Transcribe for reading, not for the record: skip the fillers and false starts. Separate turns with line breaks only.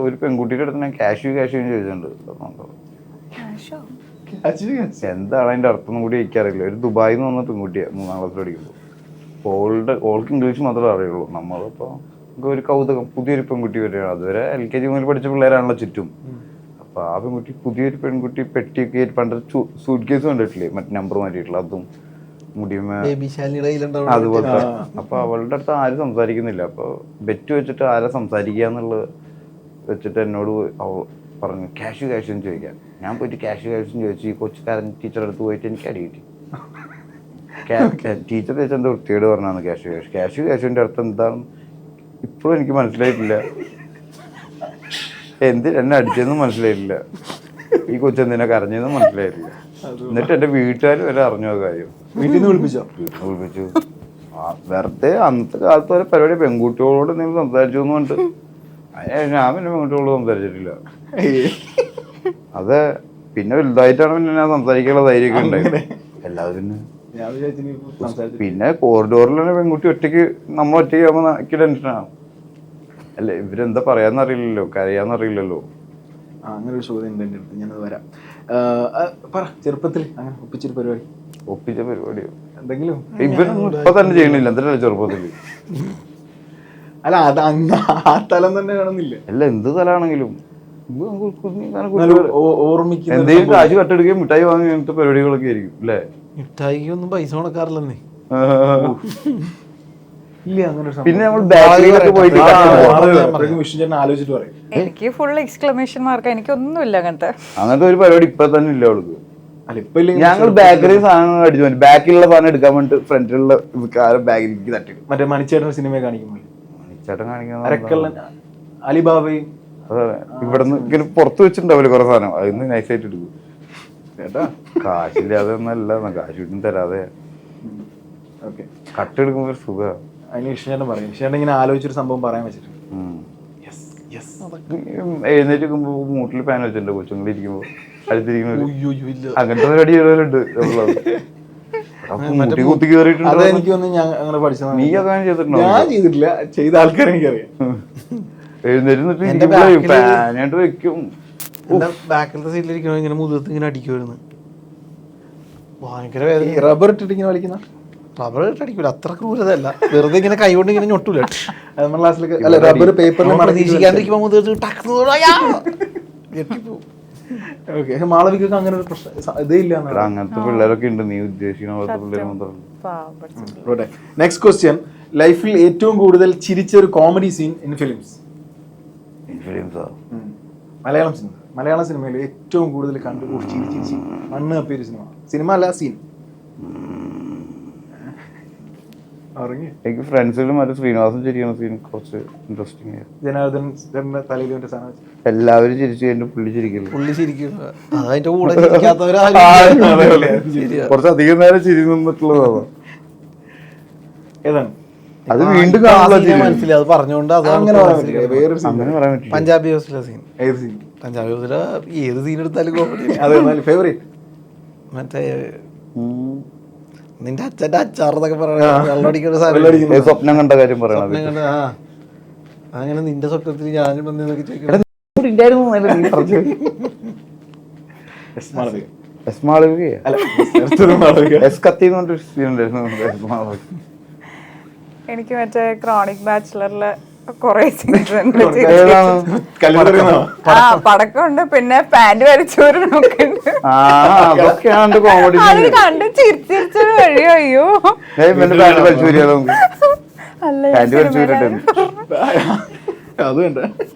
ഒരു പെൺകുട്ടിയുടെ അടുത്ത് ഞാൻ ക്യാഷ് ചോദിച്ചിട്ടുണ്ട്. എന്താണ് അതിന്റെ അർത്ഥം കൂടി എനിക്കറിയില്ല. ഒരു ദുബായിൽ നിന്ന് വന്ന പെൺകുട്ടിയാണ് 3ാം ക്ലാസ്സിൽ പഠിക്കുമ്പോൾ. ഓൾക്ക് ഇംഗ്ലീഷ് മാത്രമേ അറിയുള്ളൂ. നമ്മളിപ്പോ ഒരു കൗതുകം, പുതിയൊരു പെൺകുട്ടി വരികയാണ്. അതുവരെ LKG മുതൽ പഠിച്ച പിള്ളേരാണല്ലോ ചുറ്റും. അപ്പൊ ആ പെൺകുട്ടി, പുതിയൊരു പെൺകുട്ടി പെട്ടിയൊക്കെ പണ്ട് സൂട്ട് കേസ് കണ്ടിട്ടില്ലേ, മറ്റേ നമ്പർ മാറ്റിയിട്ടുള്ള, അതും മുടിയുമേ അതുപോലത്തെ. അപ്പൊ അവളുടെ അടുത്ത് ആരും സംസാരിക്കുന്നില്ല. അപ്പൊ ബെറ്റ് വെച്ചിട്ട് ആരാ സംസാരിക്കുക എന്നുള്ളത് വെച്ചിട്ട് എന്നോട് പറഞ്ഞു ക്യാഷ് എന്ന് ചോദിക്കാൻ. ഞാൻ പോയിട്ട് ക്യാഷ് ചോദിച്ചു. ഈ കൊച്ചുകാരൻ ടീച്ചറുടെ അടുത്ത് പോയിട്ട് എനിക്ക് അടി കിട്ടി. ടീച്ചർ ചോദിച്ചെന്താ വൃത്തിയോട് പറഞ്ഞാണ് ക്യാഷിന്റെ അർത്ഥം എന്താണ് ഇപ്പോഴും എനിക്ക് മനസ്സിലായിട്ടില്ല. എന്നെ അടിച്ചതെന്നും മനസ്സിലായിട്ടില്ല. ഈ കൊച്ചെന്തിനാ കരഞ്ഞതെന്നും മനസ്സിലായിട്ടില്ല. എന്നിട്ട് എന്റെ വീട്ടുകാർ വരെ അറിഞ്ഞു ആ കാര്യം.
വീട്ടിൽ നിന്ന്
വിളിപ്പിച്ചു. വെറുതെ അന്നത്തെ കാലത്ത് വരെ പരിപാടി പെൺകുട്ടികളോട് നിങ്ങൾ സംസാരിച്ചു എന്നുകൊണ്ട് ഞാൻ പിന്നെ പെൺകുട്ടികളോട് സംസാരിച്ചിട്ടില്ല. അത് പിന്നെ വലുതായിട്ടാണ് പിന്നെ ഞാൻ സംസാരിക്കാനുള്ള ധൈര്യമൊക്കെ ഉണ്ടായത്. എല്ലാവരും പിന്നെ കോറിഡോറിൽ തന്നെ പെൺകുട്ടി നമ്മൾ ഒറ്റയ്ക്ക് ആകുമ്പോൾ എനിക്ക് ടെൻഷനാണ്. അല്ല ഇവരെന്താ പറയാന്നറിയില്ലല്ലോ, കരയാന്നറിയില്ലല്ലോ.
അങ്ങനെ ഒരു ചോദ്യം ഉണ്ട് എൻ്റെ അടുത്ത്, ഞാനത് വരാം. ചെറുപ്പത്തിൽ അങ്ങനെ ഒപ്പിച്ച പരിപാടിയോ എന്തെങ്കിലും
ഇവരൊന്നും ഇപ്പൊ തന്നെ ചെയ്യണില്ല. എന്തിനാ ചെറുപ്പത്തില്?
അല്ല അത് ആ തലം തന്നെ കാണുന്നില്ല.
അല്ല എന്ത് തലാണെങ്കിലും
ഓർമ്മിക്കുന്ന
എന്തെങ്കിലും കാശ് കട്ടെടുക്കുകയും മിഠായി വാങ്ങി അങ്ങനത്തെ പരിപാടികളൊക്കെ ആയിരിക്കും അല്ലേ?
മിഠായിക്ക് ഒന്നും പൈസ കൊടുക്കാറില്ലെന്നേ.
പിന്നെ നമ്മൾ ബാക്കിലൊക്കെ പോയിട്ട്
ആലോചിച്ചിട്ട് പറയും.
എനിക്ക് ഫുൾ എക്സ്ക്ലമേഷൻ മാർക്ക്. എനിക്കൊന്നുമില്ല അങ്ങനത്തെ
ഒരു പരിപാടി ഇപ്പൊ തന്നെ ഇല്ല അവൾക്ക്.
ഞങ്ങൾ
ബാക്കറി സാധനങ്ങൾ അടിച്ചു പോയി. ബാക്കിലുള്ള സാധനം എടുക്കാൻ വേണ്ടി ഫ്രണ്ടിലുള്ള ബാഗിലേക്ക് തട്ടി.
മറ്റേ മണിച്ചേട്ടൻ സിനിമ കാണിക്കുമ്പോൾ
മണിച്ചേട്ടൻ കാണിക്കുന്ന
അലിബാബയും
അതെ ഇവിടുന്ന് ഇങ്ങനെ പുറത്ത് വെച്ചിട്ടുണ്ടാവില്ല കുറെ സാധനം, അതിന്ന് നൈസായിട്ട് എടുക്കും. ചേട്ടാ കാശില്ലാതെ ഒന്നല്ല, കാശ് വീട്ടിൽ തരാതെ കട്ടെടുക്കുമ്പോ ഒരു സുഖമാണ്.
അതിന് ഇഷ്ടം പറയും. ഇഷ്ടം ഇങ്ങനെ ആലോചിച്ചൊരു സംഭവം പറയാൻ വെച്ചിട്ട്
എഴുന്നേറ്റ് മൂട്ടിൽ പാൻ വെച്ചിട്ടുണ്ട് കൊച്ചുങ്ങൾ ഇരിക്കുമ്പോ അടുത്തിരിക്കുന്ന അങ്ങനത്തെ പരിപാടി ചെയ്തവരുണ്ട്. കുത്തി കയറിയിട്ടുണ്ട്. നീ അങ്ങനെ ചെയ്തിട്ടുണ്ടോ?
ഞാൻ ചെയ്തിട്ടില്ല, ചെയ്ത ആൾക്കാരെ എനിക്കറിയാം.
എഴുന്നേറ്റ് പാനായിട്ട് വെക്കും.
ബാക്കിലത്തെ സീറ്റിലിരിക്കണോ ഇങ്ങനെ മുഖത്ത് ഇങ്ങനെ അടിക്കുമായിരുന്നു. ഭയങ്കര വേദന.
റബ്ബർ ഇട്ടിട്ട് ഇങ്ങനെ വലിക്കുന്ന
റബ്ബർ ഇട്ട് അടിക്കൂല, അത്ര ക്രൂരതല്ല. വെറുതെ ഇങ്ങനെ കൈകൊണ്ട് ഇങ്ങനെ ഞൊട്ടൂല.
റബ്ബർ പേപ്പറിൽ
പ്രതീക്ഷിക്കാണ്ടിരിക്കുമ്പോ മുഖത്ത്
മാളവികൊക്കെ അങ്ങനെ ഒരു പ്രശ്നം ഇതേ ഇല്ല.
അങ്ങനത്തെ പിള്ളേരൊക്കെ ഉണ്ട്. നീ ഉദ്ദേശിക്കുന്ന പിള്ളേർ മാത്രം.
Next question. ലൈഫിൽ ഏറ്റവും കൂടുതൽ ചിരിച്ച ഒരു കോമഡി സീൻ ഇൻ ഫിലിംസ്? മലയാള സിനിമയിൽ ഏറ്റവും കൂടുതൽ കണ്ടുകൂടി ചിരിച്ച് മണ്ണ് കപ്പിയ ഒരു സിനിമ അല്ല സീൻ?
എനിക്ക് ഫ്രണ്ട്സിലും മറ്റേ ശ്രീനിവാസൻ ചിരിക്കുന്ന സീൻ കുറച്ച് ഇൻട്രസ്റ്റിംഗ് ആയിരുന്നു.
ജനാർദ്ദൻ തലയിൽ സാധനം
എല്ലാവരും ചിരിച്ചു കഴിഞ്ഞു, പുള്ളി ചിരിക്കില്ല.
അതിന്റെ കൂടെ ചിരിക്കാത്തവരാ
കുറച്ച് അധികം നേരം ചിരി നിന്നിട്ടുള്ളതാണ്.
ഏതാണ്
അത് വീണ്ടും
മനസ്സിലായി. അത് പറഞ്ഞുകൊണ്ട് പഞ്ചാബി ഹൗസിലെ സീൻ. പഞ്ചാബി ഹൗസിലെ ഏത് സീൻ എടുത്താലും കോമഡി.
ഫേവറേറ്റ്
മറ്റേ നിന്റെ അച്ഛന്റെ അച്ചാറെന്നൊക്കെ പറയണ
സ്വപ്നം കണ്ട കാര്യം പറയണത്.
അങ്ങനെ നിന്റെ സ്വപ്നത്തിൽ ഞാനും വന്നതൊക്കെ ചോദിക്കണം.
എനിക്ക് മറ്റേ ക്രോണിക് ബാച്ചിലറിലെ കൊറേ സീൻസ് പടക്കമുണ്ട്, പിന്നെ പാന്റ് വരച്ചോരൊക്കെ കണ്ട് ചിരിച്ചിരിച്ചൊരു വഴിയോ. അയ്യോ
അത് വേണ്ട.